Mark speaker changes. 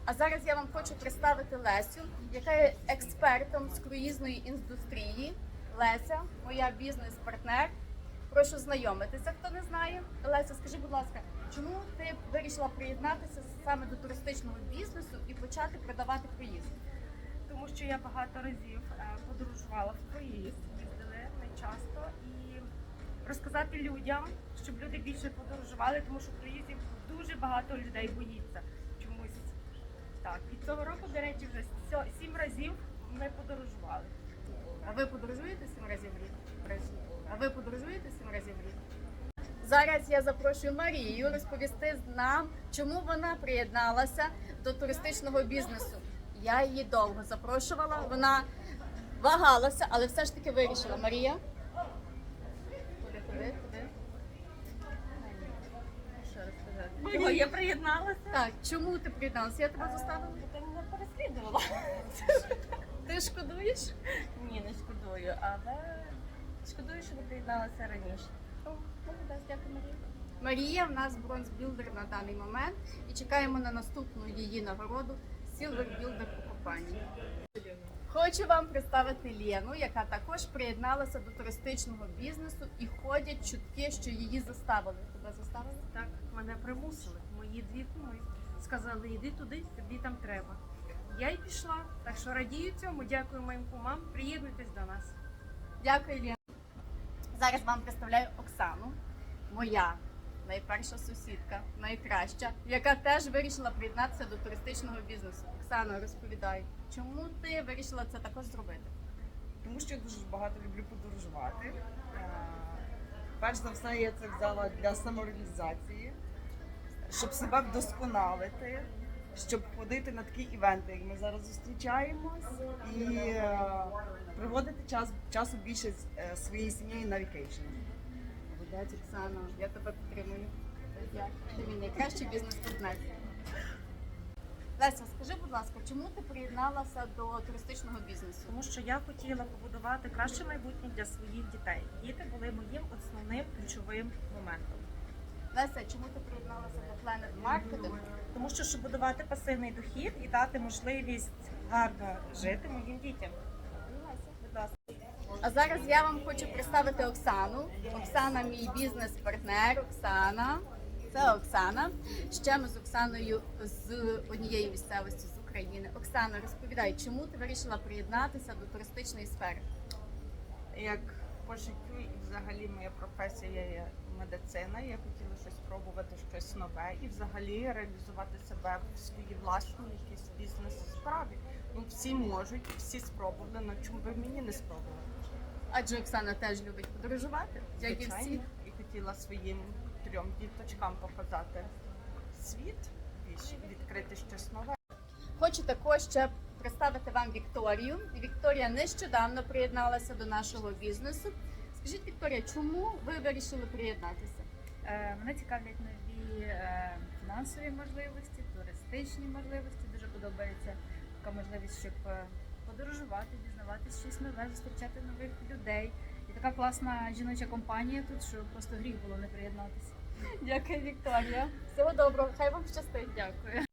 Speaker 1: А зараз я вам хочу представити Лесю, яка є експертом з круїзної індустрії. Леся, моя бізнес-партнер. Прошу знайомитися, хто не знає. Леся, скажи, будь ласка, чому ти вирішила приєднатися саме до туристичного бізнесу і почати продавати круїз?
Speaker 2: Тому що я багато разів подорожувала в круїз, їздили не часто, і розказати людям, щоб люди більше подорожували, тому що в круїзі дуже багато людей боїться чомусь. Так, і цього року, до речі, вже 7 разів ми подорожували.
Speaker 1: А ви подорожуєте 7 разів в рік? А ви подорожуєте 7 разів в рік? Зараз я запрошую Марію розповісти нам, чому вона приєдналася до туристичного бізнесу. Я її довго запрошувала, вона вагалася, але все ж таки вирішила. Марія? Куди? Що розказати?
Speaker 2: Чого я приєдналася?
Speaker 1: Так, чому ти приєдналася? Я тебе заставила?
Speaker 2: Ти мене переслідувала.
Speaker 1: Ти шкодуєш?
Speaker 2: Ні, не шкодую, але шкодую, що не приєдналася раніше.
Speaker 1: О, молодець, дякую, Марія. Марія в нас бронзбілдер на даний момент і чекаємо на наступну її нагороду Сілвербілдер у компанії. Хочу вам представити Лену, яка також приєдналася до туристичного бізнесу, і ходять чутки, що її заставили. Тебе заставили?
Speaker 2: Так, мене примусили. Мої дві куми сказали, йди туди, тобі там треба. Я й пішла, так що радію цьому, дякую моїм кумам, приєднуйтесь до нас.
Speaker 1: Дякую, Лена. Зараз вам представляю Оксану, моя найперша сусідка, найкраща, яка теж вирішила приєднатися до туристичного бізнесу. Оксана, розповідай, чому ти вирішила це також зробити?
Speaker 3: Тому що я дуже багато люблю подорожувати. Перш за все, я це взяла для самореалізації, щоб себе вдосконалити, щоб ходити на такі івенти, як ми зараз зустрічаємось, і проводити часу більше з своєю сім'єю на вікейшн.
Speaker 1: Молодець, Оксана, я тебе підтримую. Ти мій найкращий бізнес-партнер. Леся, скажи, будь ласка, чому ти приєдналася до туристичного бізнесу?
Speaker 2: Тому що я хотіла побудувати краще майбутнє для своїх дітей. Діти були моїм основним ключовим моментом.
Speaker 1: Леся, чому ти приєдналася до Planet Marketing?
Speaker 2: Тому що щоб будувати пасивний дохід і дати можливість гарно жити моїм дітям. Будь ласка.
Speaker 1: А зараз я вам хочу представити Оксану. Оксана мій бізнес-партнер. Оксана. Це Оксана. Ще ми з Оксаною з однієї місцевості з України. Оксана, розповідай, чому ти вирішила приєднатися до туристичної сфери?
Speaker 3: Як по життю і взагалі моя професія є медицина, я хотіла щось спробувати, щось нове і взагалі реалізувати себе в своїй власній якійсь бізнес-справі. Ну, всі можуть, всі спробували, але чому би мені не спробувати?
Speaker 1: Адже Оксана теж любить подорожувати, як і всі.
Speaker 3: Звичайно, і хотіла своїм 3 діточкам показати світ, більше відкрити щось нове.
Speaker 1: Хочу також ще представити вам Вікторію. Вікторія нещодавно приєдналася до нашого бізнесу. Скажіть, Вікторія, чому ви вирішили приєднатися?
Speaker 4: Мене цікавлять нові фінансові можливості, туристичні можливості. Дуже подобається така можливість, щоб подорожувати, дізнаватися щось нове, зустрічати нових людей. І така класна жіноча компанія тут, що просто гріх було не приєднатися.
Speaker 1: Дякую, Вікторія. Всього доброго, хай вам щастить.
Speaker 4: Дякую.